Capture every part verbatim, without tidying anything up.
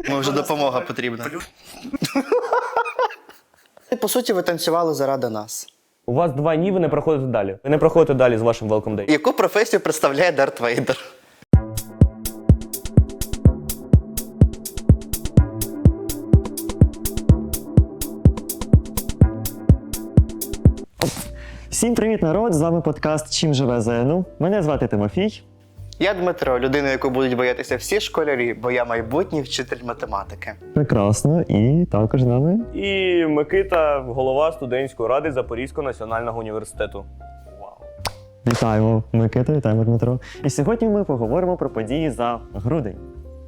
Може, допомога потрібна. По суті, ви танцювали заради нас. У вас два ні, ви не проходите далі. Ви не проходите далі з вашим Welcome Day. Яку професію представляє Дарт Вейдер? Всім привіт, народ! З вами подкаст «Чим живе ЗНУ». Мене звати Тимофій. Я Дмитро, людина, яку будуть боятися всі школярі, бо я майбутній вчитель математики. Прекрасно. І також з нами. І Микита, голова студентської ради Запорізького національного університету. Вау. Вітаємо, Микита, вітаємо, Дмитро. І сьогодні ми поговоримо про події за грудень.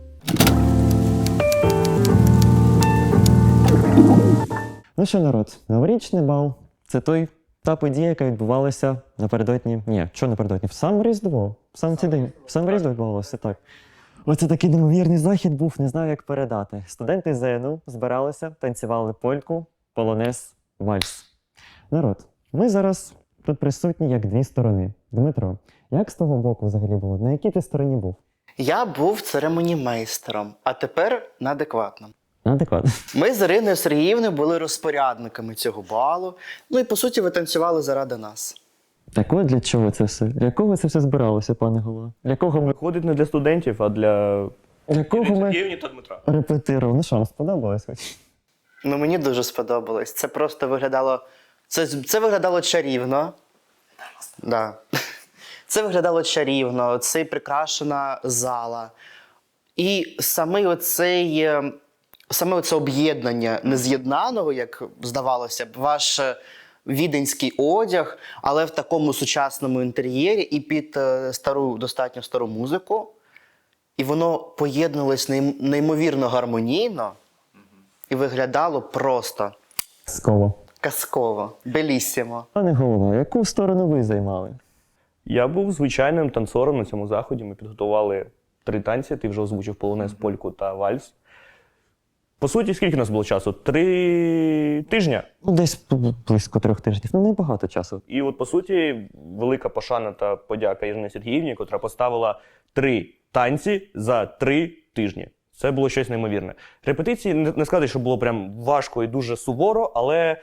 Ну що, народ, новорічний бал – це той та подія, яка відбувалася напередодні. Ні, що напередодні? В сам Різдво. В сам цей день. В сам Різдво відбувалося, так. Оце такий неймовірний захід був, не знаю, як передати. Студенти ЗНУ збиралися, танцювали польку, полонез, вальс. Народ, ми зараз тут присутні як дві сторони. Дмитро, як з того боку взагалі було? На якій ти стороні був? Я був церемонімейстером, а тепер на адекватному. Адекватно. Ми з Іриною Сергіївною були розпорядниками цього балу. Ну і, по суті, ви танцювали заради нас. Так от для чого це все? Для кого це все збиралося, пане голова? Для кого ми, Виходить не для студентів, а для для кого ми Євні та Дмитра. репетирували? Ну що, вам сподобалось хоч? Ну, мені дуже сподобалось. Це просто виглядало... Це, це виглядало чарівно. Да. Це виглядало чарівно. Це прикрашена зала. І саме оцей... е, Саме оце об'єднання нез'єднаного, як здавалося б, ваш е, віденський одяг, але в такому сучасному інтер'єрі і під е, стару, достатньо стару музику. І воно поєднувалось нейм- неймовірно гармонійно і виглядало просто Сково. казково, белісімо. Пане голова, яку сторону ви займали? Я був звичайним танцором на цьому заході. Ми підготували три танці. Ти вже озвучив полонез, польку та вальс. По суті, скільки у нас було часу? Три тижня. Ну, десь близько трьох тижнів. Ну, небагато часу. І от, по суті, велика пошана та подяка Ірині Сергіївні, котра поставила три танці за три тижні. Це було щось неймовірне. Репетиції, не не сказати, що було прям важко і дуже суворо, але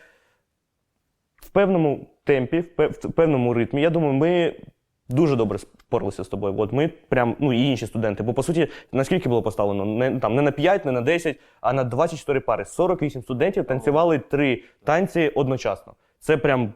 в певному темпі, в пев- в певному ритмі, я думаю, ми дуже добре спорилися з тобою. От ми прям, ну і інші студенти. Бо, по суті, наскільки було поставлено? Не, там, не на п'ять, не на десять, а на двадцять чотири пари. сорок вісім студентів танцювали три танці одночасно. Це прям...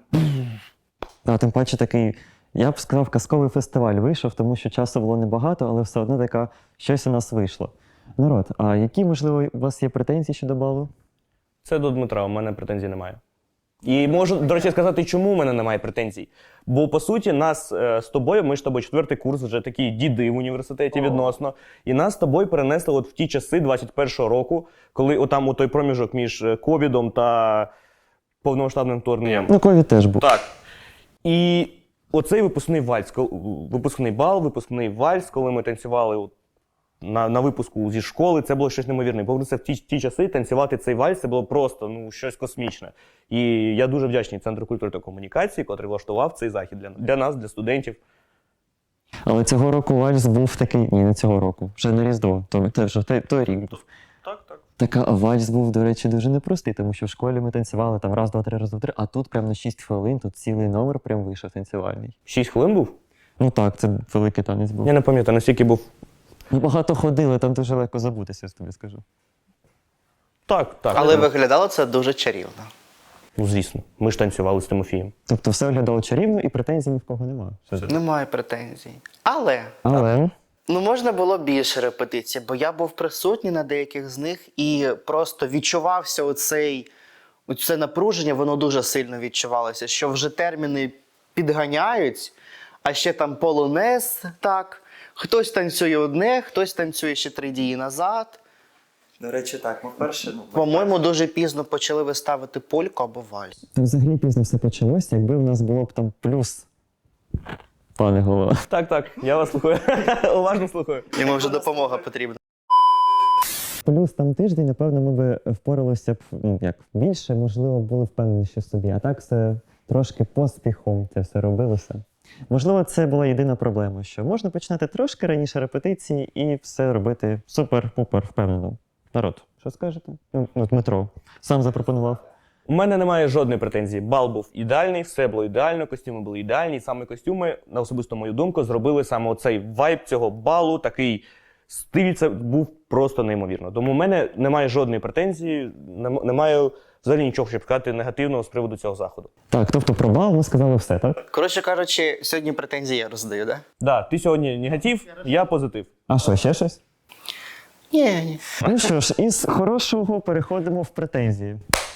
А тим паче такий, я б сказав, казковий фестиваль вийшов, тому що часу було небагато, але все одно така, щось у нас вийшло. Народ, а які, можливо, у вас є претензії щодо балу? Це до Дмитра, у мене претензій немає. І можу, до речі, сказати, чому у мене немає претензій. Бо, по суті, нас е, з тобою, ми ж з тобою четвертий курс, вже такі діди в університеті відносно, і нас з тобою перенесли от в ті часи двадцять першого року, коли отам у той проміжок між ковідом та повномасштабним вторгненням. Ну, ковід теж був. Так. І оцей випускний вальс, кол- випускний бал, випускний вальс, коли ми танцювали от на, на випуску зі школи, це було щось неймовірне. Повернутися в ті, ті часи, танцювати цей вальс, це було просто ну, щось космічне. І я дуже вдячний Центру культури та комунікації, котрий влаштував цей захід для, для нас, для студентів. Але цього року вальс був такий, ні, не цього року, вже на Різдво, то, то вже той, той рік був. Так, так. Така, а вальс був, до речі, дуже непростий, тому що в школі ми танцювали там раз, два, три, раз, два, три, а тут прям на шість хвилин, тут цілий номер прям вийшов танцювальний. Шість хвилин був? Ну так, це великий танець був. Я не пам'ятаю, наскільки був. Ми багато ходили, там дуже легко забутися, я тобі скажу. Так, так. Але виглядало це дуже чарівно. Ну, звісно. Ми ж танцювали з Тимофієм. Тобто все виглядало чарівно і претензій ні в кого немає. Немає претензій. Але... Але Ну, можна було більше репетицій, бо я був присутній на деяких з них і просто відчувався оцей, оце напруження, воно дуже сильно відчувалося, що вже терміни підганяють, а ще там полонез, так, хтось танцює одне, хтось танцює ще три дії назад. До речі, так, ми вперше, ну, По-моєму, дуже пізно почали виставити польку або вальс. то взагалі пізно все почалося, якби в нас було б там плюс, пане голова. Так, так, я вас слухаю. Уважно слухаю. Йому вже допомога потрібна. Плюс там тиждень, напевно, ми би впоралися б, ну, як, більше, можливо, були впевненіші в собі. А так все трошки поспіхом це все робилося. Можливо, це була єдина проблема, що можна починати трошки раніше репетиції і все робити супер-пупер впевнено. Народ, що скажете? Ну, ну, Дмитро сам запропонував. У мене немає жодної претензії. Бал був ідеальний, все було ідеально, костюми були ідеальні. І саме костюми, на особисту мою думку, зробили саме оцей вайб цього балу, такий стиль, це був просто неймовірно. Тому у мене немає жодної претензії, нем- немає взагалі нічого, щоб сказати негативного з приводу цього заходу. Так, тобто про бал ми сказали все, так? Коротше кажучи, сьогодні претензії я роздаю, так? Да? Да, ти сьогодні негатив, я позитив. А що, ще щось? Ні, ні. Ну що ж, із хорошого переходимо в претензії.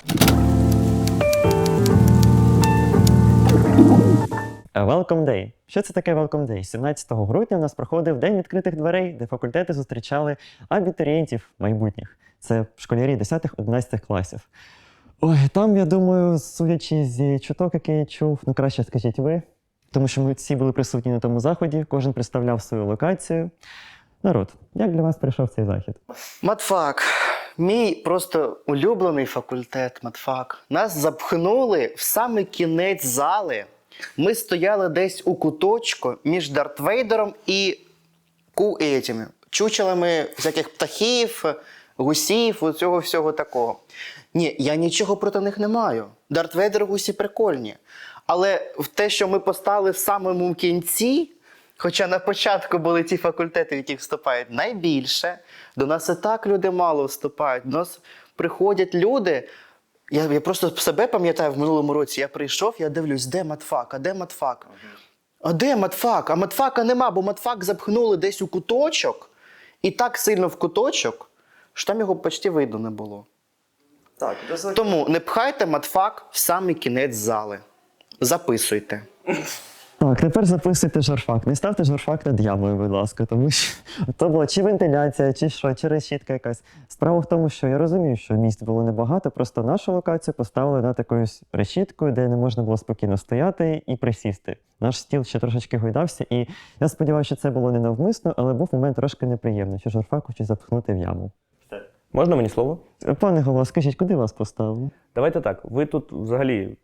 Welcome Day. Що це таке Welcome Day? сімнадцятого грудня в нас проходив День відкритих дверей, де факультети зустрічали абітурієнтів майбутніх. Це школярі десятих-одинадцятих класів. Ой, там, я думаю, судячи з чуток, який я чув, ну краще скажіть ви, тому що ми всі були присутні на тому заході, кожен представляв свою локацію. Народ, як для вас прийшов цей захід? Матфак. Мій просто улюблений факультет матфак. Нас запхнули в самий кінець зали. Ми стояли десь у куточку між Дарт Вейдером і ку етіми, чучелами всяких птахів, гусів, оцього всього такого. Ні, я нічого проти них не маю. Дарт Вейдер, гусі прикольні. Але в те, що ми постали в самому кінці, хоча на початку були ті факультети, в яких вступають найбільше, до нас і так люди мало вступають. До нас приходять люди. Я, я просто себе пам'ятаю в минулому році, я прийшов, я дивлюсь, де матфак, а де матфак? А де матфак? А матфака нема, бо матфак запхнули десь у куточок, і так сильно в куточок, що там його почти видно не було. Так, дозвольте. Тому не пхайте матфак в самий кінець зали. Записуйте. Так, тепер записуйте журфак. Не ставте журфак над ямою, будь ласка, тому що то була чи вентиляція, чи що, чи решітка якась. Справа в тому, що я розумію, що місць було небагато, просто нашу локацію поставили над якоюсь решіткою, де не можна було спокійно стояти і присісти. Наш стіл ще трошечки гойдався, і я сподіваюся, що це було не навмисно, але був момент трошки неприємний, що журфак хочуть запхнути в яму. Можна мені слово? Пане голова, скажіть, куди вас поставили? Давайте так, ви тут взагалі.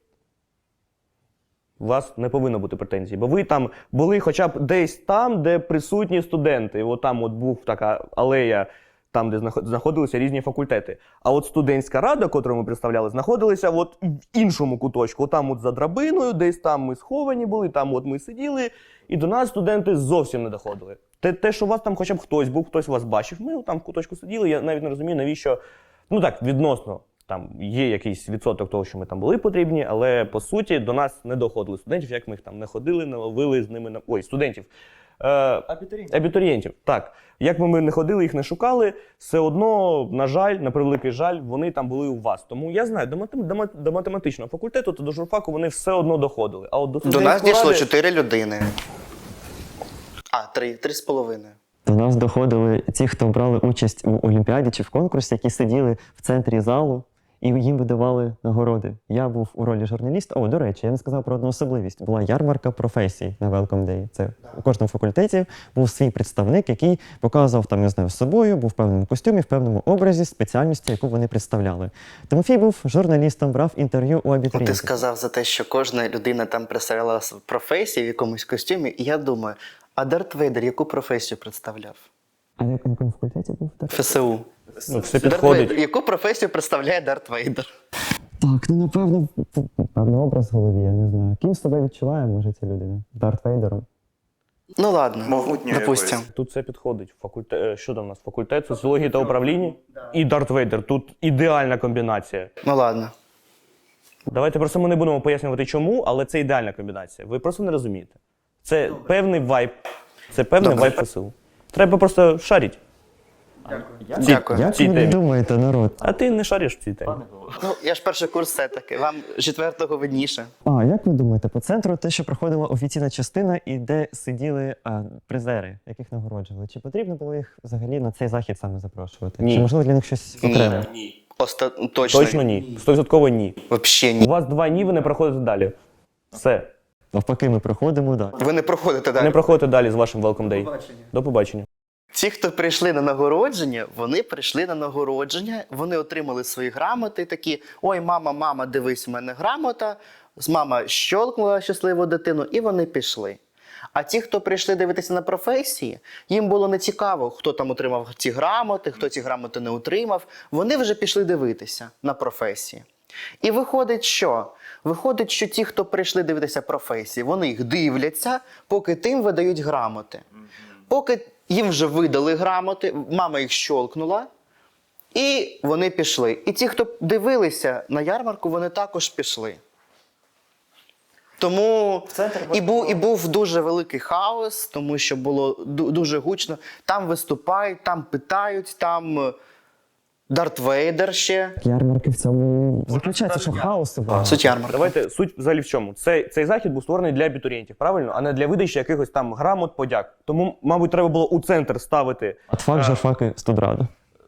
У вас не повинно бути претензій, бо ви там були хоча б десь там, де присутні студенти. От там от був така алея, там, де знаходилися різні факультети. А от студентська рада, котру ми представляли, знаходилася от в іншому куточку. От там от за драбиною, десь там ми сховані були, там от ми сиділи, і до нас студенти зовсім не доходили. Те, те, що у вас там хоча б хтось був, хтось вас бачив, ми там в куточку сиділи, я навіть не розумію, навіщо, ну так, відносно. Там є якийсь відсоток того, що ми там були потрібні, але по суті до нас не доходили студентів, як ми їх там не ходили, не ловили з ними на ой, студентів. Е, Абітурієнтів. Абітурієнтів. Так. Як би ми не ходили, їх не шукали, все одно, на жаль, на превеликий жаль, вони там були у вас. Тому я знаю, до, матем... до, мат... до математичного факультету та до журфаку вони все одно доходили. А от до До нас студентської дійшло ради- чотири людини. А, три, три з половиною. До нас доходили ті, хто брали участь у олімпіаді чи в конкурсі, які сиділи в центрі залу, і їм видавали нагороди. Я був у ролі журналіста. О, до речі, я не сказав про одну особливість. Була ярмарка професій на Welcome Day. Це у кожному факультеті був свій представник, який показував там, не знаю, з собою, був в певному костюмі, в певному образі, спеціальності, яку вони представляли. Тимофій був журналістом, брав інтерв'ю у Ти абітурієнтів. сказав за те, що кожна людина там представляла професію в якомусь костюмі, і я думаю, а Дарт Вейдер яку професію представляв? А на якому факультеті був? Так, ФСУ. Ну, все Дарт підходить. Вейдер. Яку професію представляє Дарт Вейдер? так ну напевно, певний образ в голові, я не знаю. Ким себе відчуває, може, ця людина? Дарт Вейдером? Ну ладно, Могутньою допустим. якоюсь. Тут все підходить. Факультет, е, що там у нас? Факультет соціології та управління і Дарт Вейдер. Тут ідеальна комбінація. Ну ладно. Давайте просто ми не будемо пояснювати чому, але це ідеальна комбінація. Ви просто не розумієте. Це певний вайб. Це певний Добре. вайб ФСУ. Треба просто шарити. Дякую. Як цій ви темі. думаєте, народ? А ти не шариш в цій темі. Ну, я ж перший курс все-таки. Вам з четвертого видніше. А, як ви думаєте, по центру те, що проходила офіційна частина і де сиділи а, призери, яких нагороджували, чи потрібно було їх взагалі на цей захід саме запрошувати? Ні. Чи можливо для них щось окреме? Ні. Оста... Точно. Точно ні. Стовідсотково ні. Вообще У ні. вас два ні, ви не проходите далі. Все. Навпаки, ми проходимо, так. Ви не проходите Не далі. проходите далі з вашим Welcome Day. До побачення. Ті, хто прийшли на нагородження, вони прийшли на нагородження, вони отримали свої грамоти, такі: ой, мама, мама, дивись, у мене грамота. З мама щолкнула щасливу дитину, і вони пішли. А ті, хто прийшли дивитися на професії, їм було не цікаво, хто там отримав ці грамоти, хто ці грамоти не отримав. Вони вже пішли дивитися на професії. І виходить, що? Виходить, що ті, хто прийшли дивитися професії, вони їх дивляться, поки тим видають грамоти. Поки їм вже видали грамоти, мама їх щолкнула, і вони пішли. І ті, хто дивилися на ярмарку, вони також пішли. Тому і був, і був дуже великий хаос, тому що було ду- дуже гучно. Там виступають, там питають, там е, Дарт Вейдер ще. Ярмарки в цьому заключається, що хаосу багато. Суть ярмарки. Давайте суть взагалі в чому. Цей, цей захід був створений для абітурієнтів, правильно? А не для видачі якихось там грамот, подяк. Тому, мабуть, треба було у центр ставити. Атфак, журфак і студрада.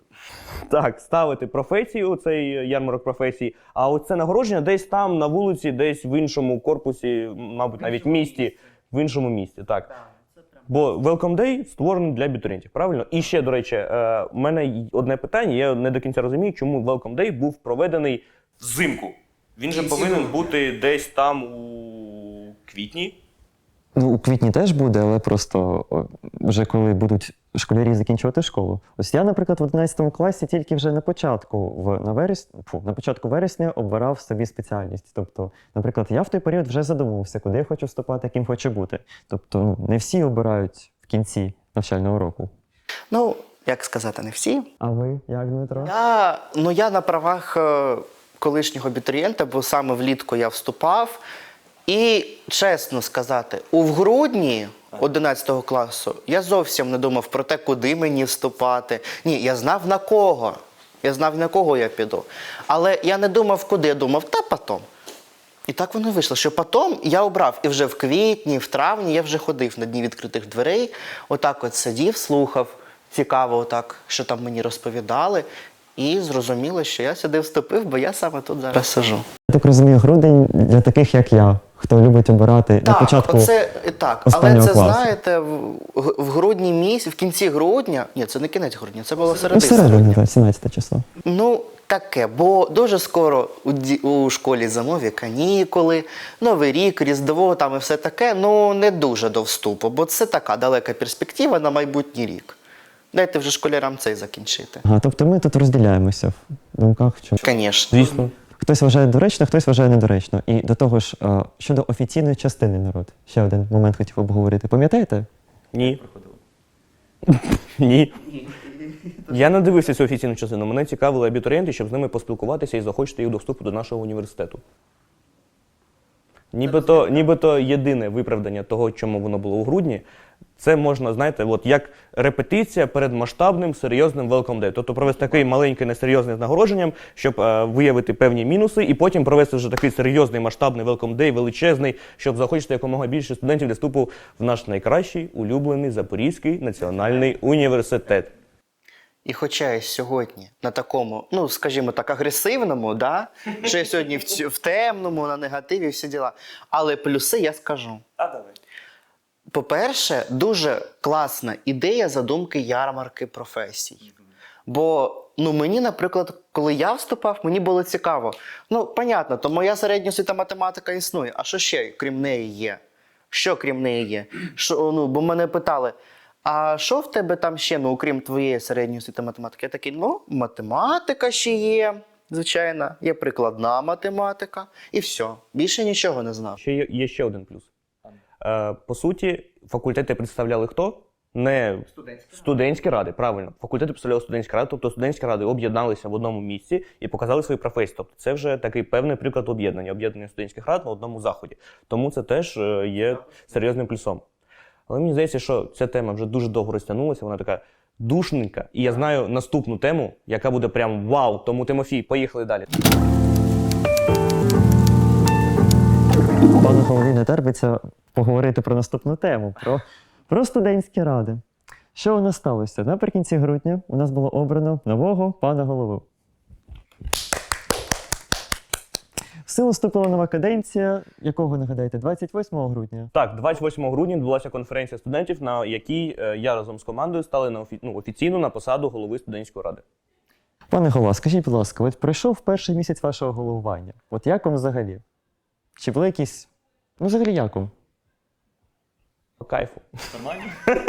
Так, ставити професію, цей ярмарок професій, а оце нагородження десь там, на вулиці, десь в іншому корпусі, мабуть, навіть в місті, в іншому місті, так. Бо Welcome Day створений для абітурієнтів, правильно? І ще, до речі, е, у мене одне питання, я не до кінця розумію, чому Welcome Day був проведений взимку. Він же повинен бути десь там у квітні. Ну, у квітні теж буде, але просто о, вже коли будуть школярі закінчувати школу. Ось я, наприклад, в одинадцятому класі тільки вже на початку, в, на, вересні, фу, на початку вересня обирав собі спеціальність. Тобто, наприклад, я в той період вже задумувався, куди я хочу вступати, яким хочу бути. Тобто, ну, не всі обирають в кінці навчального року. Ну, як сказати, не всі. А ви, як, Дмитро? Я, ну, я на правах е, колишнього абітурієнта, бо саме влітку я вступав. І, чесно сказати, у в грудні одинадцятого класу я зовсім не думав про те, куди мені вступати. Ні, я знав на кого. Я знав, на кого я піду. Але я не думав, куди. Я думав, та потом. І так воно вийшло, що потім я обрав. І вже в квітні, в травні я вже ходив на дні відкритих дверей. Отак от сидів, слухав. Цікаво отак, що там мені розповідали. І зрозуміло, що я сюди вступив, бо я саме тут зараз сижу. Я так розумію, грудень для таких, як я, хто любить обирати на Так, початку оце, так, але останнього це, класу. знаєте, в, в грудні місяці, в кінці грудня, ні, це не кінець грудня, це було Ну, середина. всередині, так, сімнадцяте число. Ну, таке, бо дуже скоро у, ді- у школі зимові канікули, Новий рік, Різдво, там і все таке, ну не дуже до вступу, бо це така далека перспектива на майбутній рік. Дайте вже школярам цей закінчити. Ага, тобто ми тут розділяємося в думках. Що... Звісно. Звісно. Хтось вважає доречно, хтось вважає недоречно. І до того ж, е, щодо офіційної частини народ, ще один момент хотів обговорити. Пам'ятаєте? Ні. Ні. Я не дивився цю офіційну частину. Мене цікавили абітурієнти, щоб з ними поспілкуватися і захочете їх до вступу до нашого університету. Нібито, нібито єдине виправдання того, чому воно було у грудні, це можна, знаєте, от як репетиція перед масштабним серйозним Welcome Day. Тобто провести такий маленький несерйозний з нагородженням, щоб е, виявити певні мінуси, і потім провести вже такий серйозний масштабний Welcome Day, величезний, щоб захочити якомога більше студентів для вступу в наш найкращий улюблений Запорізький національний університет. І хоча я сьогодні на такому, ну, скажімо так, агресивному, да? що я сьогодні в, ць- в темному, на негативі, всі діла. Але плюси я скажу. А давай. По-перше, дуже класна ідея задумки ярмарки професій. Бо, ну, мені, наприклад, коли я вступав, мені було цікаво. Ну, понятно, то моя середня освіта математика існує. А що ще, крім неї, є? Що крім неї є? Що, ну, бо мене питали, а що в тебе там ще, ну, окрім твоєї середньої освіти математики? Я такий, ну, математика ще є, звичайно, є прикладна математика, і все. Більше нічого не знав. Ще є, є ще один плюс. Е, по суті, факультети представляли хто? Не студентські, студентські ради, правильно. Факультети представляли студентські ради, тобто студентські ради об'єдналися в одному місці і показали свої професії. Тобто це вже такий певний приклад об'єднання, об'єднання студентських рад на одному заході. Тому це теж е, є серйозним плюсом. Але мені здається, що ця тема вже дуже довго розтягнулася, вона така душненька. І я знаю наступну тему, яка буде прям вау. Тому, Тимофій, поїхали далі. Пану голові не терпиться поговорити про наступну тему, про, про студентські ради. Що у нас сталося? Наприкінці грудня у нас було обрано нового пана голову. В силу вступила нова каденція, якого, нагадаєте, двадцять восьмого грудня. Так, двадцять восьмого грудня відбулася конференція студентів, на якій е, я разом з командою стали на офі... ну, офіційно на посаду голови студентської ради. Пане голова, скажіть, будь ласка, от пройшов перший місяць вашого головування. От як вам взагалі? Чи були якісь... Ну, взагалі як вам? По кайфу. Нормально?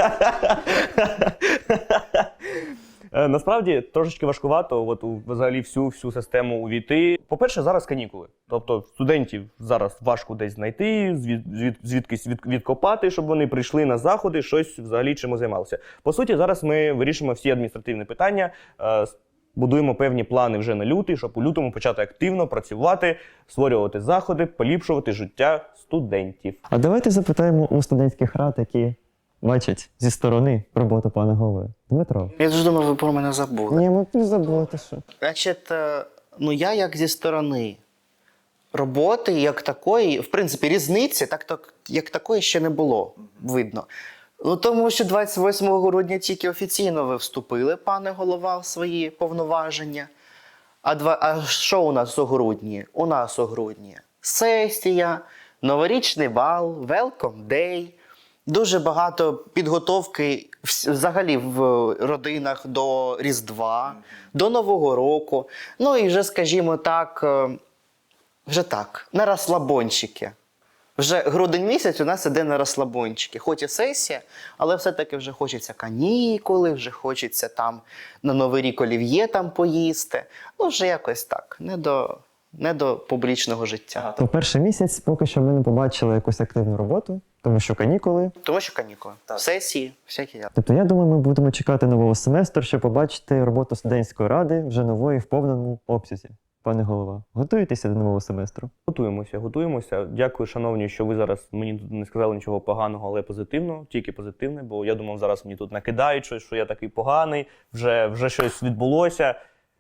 Е, Насправді трошечки важкувато от у взагалі всю всю систему увійти. По-перше, зараз канікули. Тобто студентів зараз важко десь знайти, звід, звід, звідкись від, відкопати, щоб вони прийшли на заходи, щось взагалі чим займалися. По суті, зараз ми вирішимо всі адміністративні питання, е, будуємо певні плани вже на лютий, щоб у лютому почати активно працювати, створювати заходи, поліпшувати життя студентів. А давайте запитаємо у студентських рад, які бачать зі сторони роботу пана голови. Дмитро. Я дуже думав, ви про мене забули. Ні, ми не забули, ти що. Значить, е, ну я як зі сторони роботи, як такої, в принципі, різниці, так, так як такої ще не було видно. Ну, тому що двадцять восьмого грудня тільки офіційно ви вступили, пане голова, в свої повноваження. А, два, а що у нас у грудні? У нас у грудні сесія, новорічний бал, welcome day. Дуже багато підготовки вс- взагалі в родинах до Різдва, до Нового року. Ну і вже, скажімо так, е, вже так, на розслабончики. Вже грудень місяць у нас іде на розслабончики. Хоч і сесія, але все-таки вже хочеться канікули, вже хочеться там на Новий рік олів'є там поїсти. Ну, вже якось так, не до, не до публічного життя. То перший місяць поки що ми не побачили якусь активну роботу, тому що канікули. Тому що канікули, сесії, всякі. я- Тобто, я думаю, ми будемо чекати нового семестру, щоб побачити роботу студентської ради вже нової в повному обсязі. Пане голова, готуєтеся до нового семестру? Готуємося, готуємося. Дякую, шановні, що ви зараз мені тут не сказали нічого поганого, але позитивно, тільки позитивне, бо я думав, зараз мені тут накидають щось, що я такий поганий, вже, вже щось відбулося.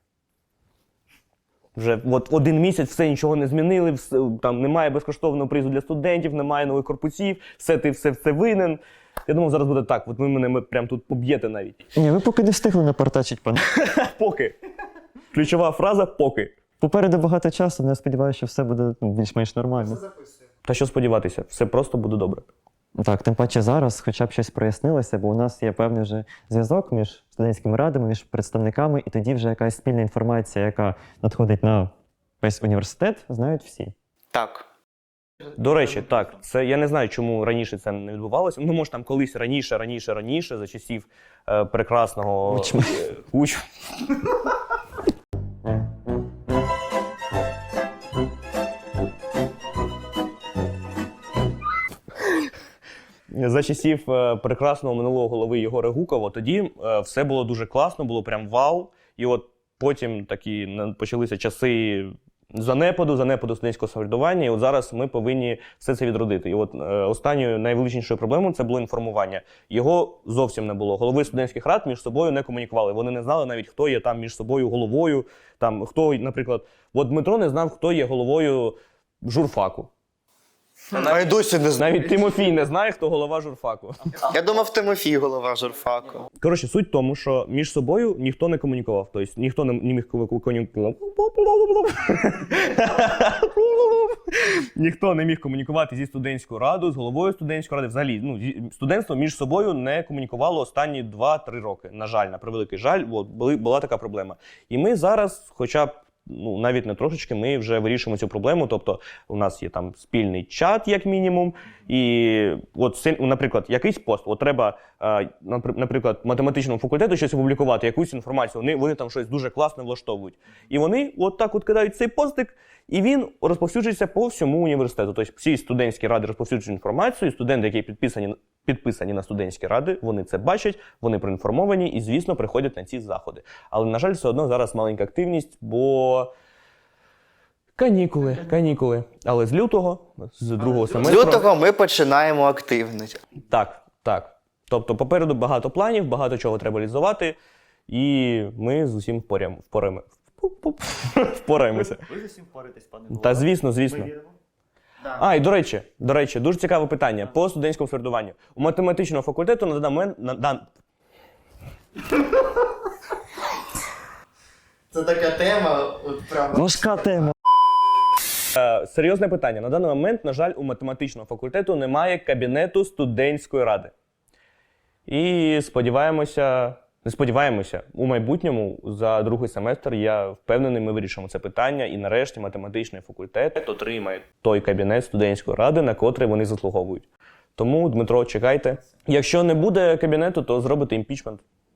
Вже от один місяць все нічого не змінили, все, там немає безкоштовного призу для студентів, немає нових корпусів, все ти все, все винен. Я думав, зараз буде так, от ви мене ми прям тут поб'єте навіть. Ні, ви поки не встигли напортачити, пане. Поки. Ключова фраза поки. Попереду багато часу, але я сподіваюся, що все буде ну, більш-менш нормально. Та що сподіватися, все просто буде добре. Так, тим паче зараз хоча б щось прояснилося, бо у нас є певний вже зв'язок між студентськими радами, між представниками, і тоді вже якась спільна інформація, яка надходить на весь університет, знають всі. Так. До речі, так, це я не знаю, чому раніше це не відбувалося. Ну, може, там колись раніше, раніше, раніше, за часів е, прекрасного Учма. е, уч... За часів е, прекрасного минулого голови Єгора Гукова, тоді е, все було дуже класно, було прям вау. І от потім такі на- почалися часи занепаду, занепаду студентського самоврядування, і от зараз ми повинні все це відродити. І от е, останньою найвеличнішою проблемою це було інформування. Його зовсім не було. Голови студентських рад між собою не комунікували. Вони не знали навіть, хто є там між собою головою. Там, хто, наприклад, от Дмитро не знав, хто є головою журфаку. А я досі не знаю. Навіть Тимофій не знає, хто голова журфаку. Я думав, Тимофій голова журфаку. Коротше, суть в тому, що між собою ніхто не комунікував. Тобто ніхто не, не міг комунікувати. Ніхто не міг комунікувати зі студентською радою, з головою студентської ради. Взагалі, ну, зі- студентство між собою не комунікувало останні два-три роки. На жаль, на превеликий жаль, от, були, була така проблема. І ми зараз, хоча б ну, навіть не трошечки, ми вже вирішуємо цю проблему. Тобто у нас є там спільний чат, як мінімум. І от, це, наприклад, якийсь пост, от треба, е, напри- наприклад, математичному факультету щось опублікувати, якусь інформацію, вони, вони там щось дуже класне влаштовують. І вони от так от кидають цей постик, і він розповсюджується по всьому університету. Тобто всі студентські ради розповсюджують інформацію, і студенти, які підписані, підписані на студентські ради, вони це бачать, вони проінформовані і, звісно, приходять на ці заходи. Але, на жаль, все одно зараз маленька активність, бо канікули, канікули. Але з лютого, з другого З семестру... лютого ми починаємо активність. Так, так. Тобто попереду багато планів, багато чого треба реалізувати, і ми з усім впорям, впораємо, впораємося. Ви з усім впораєтесь, пане Та звісно, звісно. Ми віримо. А, і до речі, до речі, дуже цікаве питання по студентському середуванню. У математичного факультету на даний момент... На, дан... Це така тема, от прямо. Важка тема. Е, серйозне питання. На даний момент, на жаль, у математичного факультету немає кабінету студентської ради. І сподіваємося, не сподіваємося, у майбутньому за другий семестр, я впевнений, ми вирішимо це питання, і нарешті математичний факультет отримає той кабінет студентської ради, на котрий вони заслуговують. Тому, Дмитро, чекайте. Якщо не буде кабінету, то зробите імпічмент.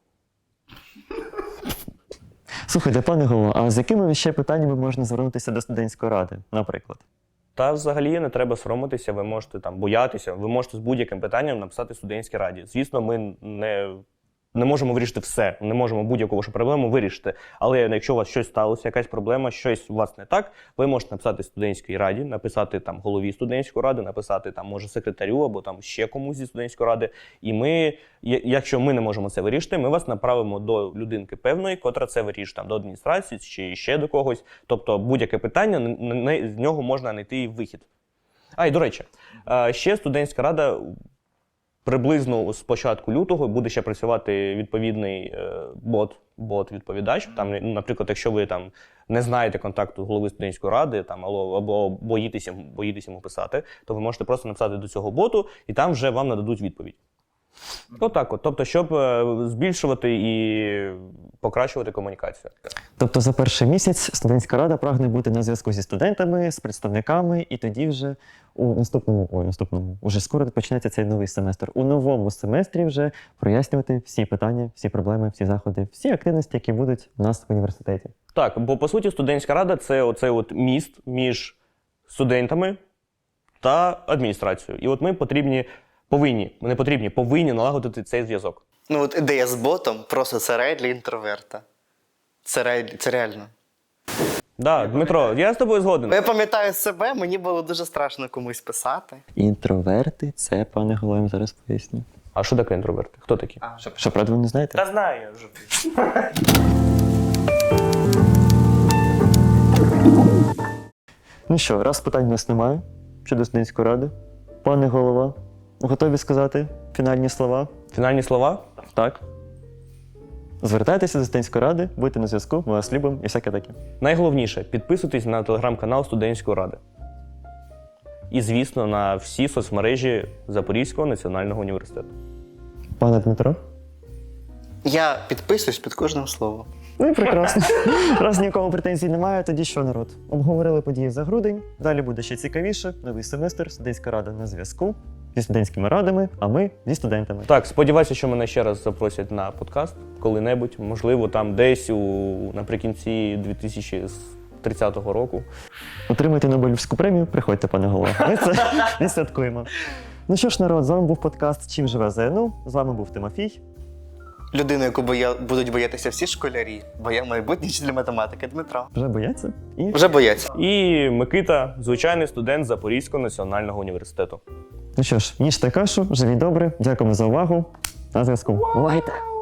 Слухайте, пане Голова, а з якими ще питаннями можна звернутися до студентської ради, наприклад? Та взагалі не треба соромитися, ви можете там боятися, ви можете з будь-яким питанням написати студентській раді. Звісно, ми не, не можемо вирішити все, не можемо будь-яку вашу проблему вирішити. Але якщо у вас щось сталося, якась проблема, щось у вас не так, ви можете написати студентській раді, написати там голові студентської ради, написати там, може, секретарю або там ще комусь зі студентської ради. І ми, я- якщо ми не можемо це вирішити, ми вас направимо до людинки певної, котра це вирішить, там, до адміністрації чи ще до когось. Тобто будь-яке питання, н- н- з нього можна знайти вихід. А, і до речі, е, ще студентська рада приблизно з початку лютого буде ще працювати відповідний е, бот, бот-відповідач. Там, ну, наприклад, якщо ви там не знаєте контакту голови студентської ради, там або, або боїтеся, боїтеся йому писати, то ви можете просто написати до цього боту, і там вже вам нададуть відповідь. Отак от. Тобто, щоб е, збільшувати і покращувати комунікацію. Тобто за перший місяць студентська рада прагне бути на зв'язку зі студентами, з представниками, і тоді вже у наступному, ой, наступному, уже скоро почнеться цей новий семестр. У новому семестрі вже прояснювати всі питання, всі проблеми, всі заходи, всі активності, які будуть у нас в університеті. Так, бо по суті студентська рада це оцей от міст між студентами та адміністрацією. І от ми потрібні, повинні, ми не потрібні, повинні налагодити цей зв'язок. Ну от ідея з ботом просто це рай для інтроверта. Це рай, це реально. Да, Дмитро, я з тобою згоден. Я пам'ятаю себе, мені було дуже страшно комусь писати. Інтроверти, це, пане Голова, я вам зараз поясню. А що таке інтроверти? Хто такі? Що, правда, ви не знаєте? Та знаю я вже. Ну що, раз питань у нас немає щодо студентської ради. Пане Голова, готові сказати фінальні слова? Фінальні слова? Так. Звертайтеся до студентської ради, будьте на зв'язку, ми вас любимо і всяке таке. Найголовніше, підписуйтесь на телеграм-канал студентської ради. І, звісно, на всі соцмережі Запорізького національного університету. Пане Дмитро? Я підписуюсь під кожним словом. Ну і прекрасно. Раз нікому претензій немає, тоді що, народ? Обговорили події за грудень, далі буде ще цікавіше. Новий семестр, студентська рада на зв'язку зі студентськими радами, а ми зі студентами. Так, сподіваюся, що мене ще раз запросять на подкаст коли-небудь, можливо, там десь у, наприкінці дві тисячі тридцятого року. Отримайте Нобелівську премію, приходьте, пане голова. Ми це відсвяткуємо. Ну що ж, народ, з вами був подкаст «Чим живе ЗНУ», з вами був Тимофій. Людину, яку боя... будуть боятися всі школярі, бо я майбутній вчитель математики Дмитро. Вже бояться? І Вже бояться. І Микита, звичайний студент Запорізького національного університету. ну що ж, їжте кашу, живіть добре, дякуємо за увагу. На зв'язку. Бувайте!